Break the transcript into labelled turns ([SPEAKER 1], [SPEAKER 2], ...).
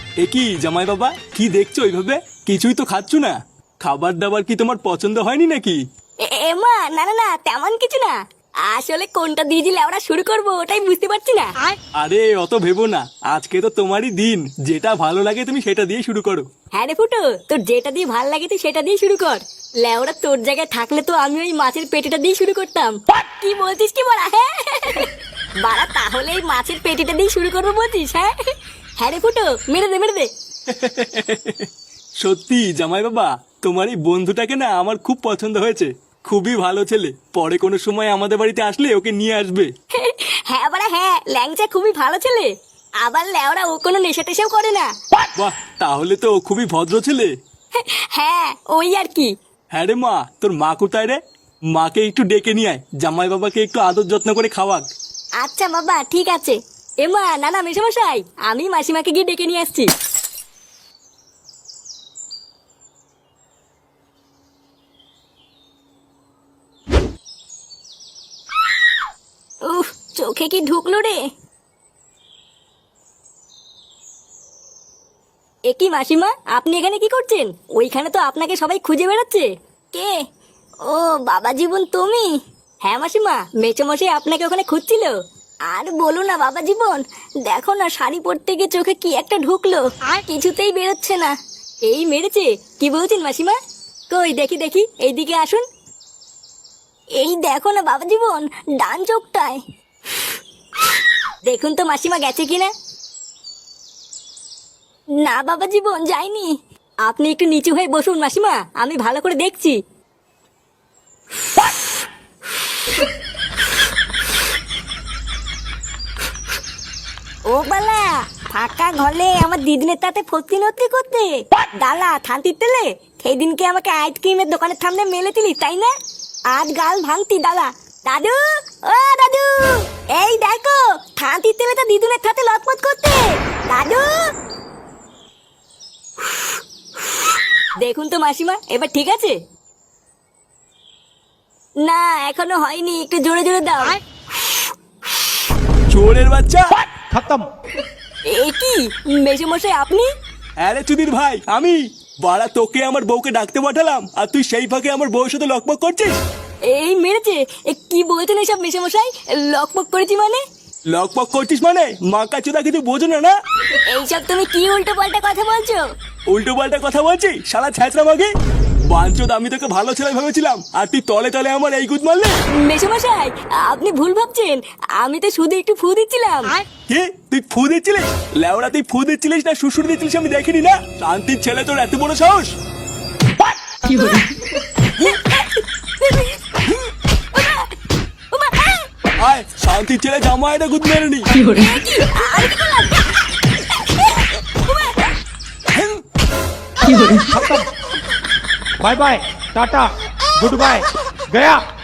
[SPEAKER 1] এ কি জামাই বাবা, কি দেখছো ওইভাবে? কিছুই তো খাচ্ছ না। খাবার দাবার কি তোমার পছন্দ হয়নি নাকি?
[SPEAKER 2] এমা না না না, তেমন কিছু না। আসলে কোনটা দিয়ে দিলে আমরা শুরু করব ওটাই বুঝতে পারছি না।
[SPEAKER 1] আরে অত ভেবো না, আজকে তো তোমারই দিন, যেটা ভালো লাগে তুমি সেটা দিয়ে শুরু করো।
[SPEAKER 2] হ্যাঁ রে ফুটো, তোর যেটা দিয়ে ভাল লাগে তুই সেটা দিয়ে শুরু কর। লেওরা তোর জায়গায় থাকলে তো আমি ওই মাছের পেটিটা দিয়ে শুরু করতাম। কি বলছিস কি বলা? হ্যাঁ বাড়া, তাহলে এই মাছের পেটিটা দিয়ে শুরু করবো বলছিস? হ্যাঁ হ্যাঁ রে ফুটো, মেরে দে মেরে দে।
[SPEAKER 1] সত্যি জামাই বাবা, তোমার এই বন্ধুটাকে না আমার খুব পছন্দ হয়েছে। খুবই ভালো ছেলে, পরে কোনো সময় আমাদের বাড়িতে আসলে ওকে নিয়ে আসবে।
[SPEAKER 2] হ্যাঁ বাড়া হ্যাঁ, ল্যাংচা খুবই ভালো ছেলে। আবার লেওরা ও কোনো নেশা টেশাও করে না।
[SPEAKER 1] বাহ, তাহলে তো ও খুবই ভদ্র ছেলে।
[SPEAKER 2] হ্যাঁ ওই আর কি।
[SPEAKER 1] হ্যাঁ রে মা, তোর মা কোথায় রে? মাকে একটু ডেকে নিয়ে আয়, জামাই বাবাকে একটু আদর যত্ন করে খাওয়াক।
[SPEAKER 2] আচ্ছা বাবা ঠিক আছে। এমা না না মেশামশাই, আমি মাসিমাকে গিয়ে ডেকে নিয়ে আসছি। উফ, চোখে কি ঢুকলো রে? এ কি মাসিমা, আপনি এখানে কি করছেন? ওইখানে তো আপনাকে সবাই খুঁজে বেড়াচ্ছে। কে? ও বাবা জীবন তুমি? হ্যাঁ মাসিমা, মেচোমশাই আপনাকে ওখানে খুঁজছিল। আর বলো না বাবা জীবন, দেখো না শাড়ি পরতে গিয়ে চোখে কি একটা ঢুকলো, আর কিছুতেই বেরোচ্ছে না। এই মেরেছে? কি বলছেন মাসিমা? কই দেখি দেখি, এইদিকে আসুন। এই দেখো না বাবা জীবন, ডান চোখটায়। দেখুন তো মাসিমা গেছে কিনা। না বাবা জীবন যায়নি। আপনি একটু নিচু হয়ে বসুন মাসিমা, আমি ভালো করে দেখছি। ও বালা, ফাঁকা ঘরে আমার দিদিনের তাতে ফতি নতি করতে ডালা থানতি তেলে সেই দিনকে আমাকে আইসক্রিমের দোকানের সামনে মেলেছিলি তাই না? আজ গাল ভাঙতি ডালা। দাদু, ও দাদু, এই দেখো থানতি তেলে তো দিদুনের সাথে লটপট করতে। দাদু, দেখুন তো মাসিমা এবার ঠিক আছে? না এখনো হয়নি, একটু জোরে জোরে দাও।
[SPEAKER 1] চোরের বাচ্চা!
[SPEAKER 3] खत्म।
[SPEAKER 2] এ কি মেসোমশাই আপনি?
[SPEAKER 1] আরে চুদির ভাই, আমি। বাড়া, তোকে আমার বউকে ডাকতে পাঠালাম আর তুই সেই ফাঁকে আমার বউয়ের সাথে লকপক করছিস।
[SPEAKER 2] এই মেরেছে? কি বলছেন এসব মেসোমশাই? লকপক করেছি মানে?
[SPEAKER 1] লকপক করছিস মানে মাকা চোদা কিছু বোঝো না না?
[SPEAKER 2] এইসব তুমি কি উল্টো পাল্টা কথা বলছো?
[SPEAKER 1] উল্টো পাল্টা কথা বলছি শালা ছ্যাঁচড়া মাগে। বাঞ্চোদ, আমি তোকে ভালো ছেলে ভেবেছিলাম আর তুই তলে তলে আমার এই গুদ মারলে।
[SPEAKER 2] মেসোমশাই আপনি ভুল ভাবছেন, আমি তো শুধু একটু ফু দিচ্ছিলাম।
[SPEAKER 1] কি তুই ফু দিচ্ছিলিস? লেওড়া, তুই ফু দিচ্ছিলিস না শ্বশুর দিচ্ছিলিস আমি দেখিনি না? শান্তির ছেলে, তোর এত বড় সাহস! আয়, শান্তির ছেলে জামা এটা গুদ মেরে নি।
[SPEAKER 3] खत्म। Bye bye, tata, goodbye, गया।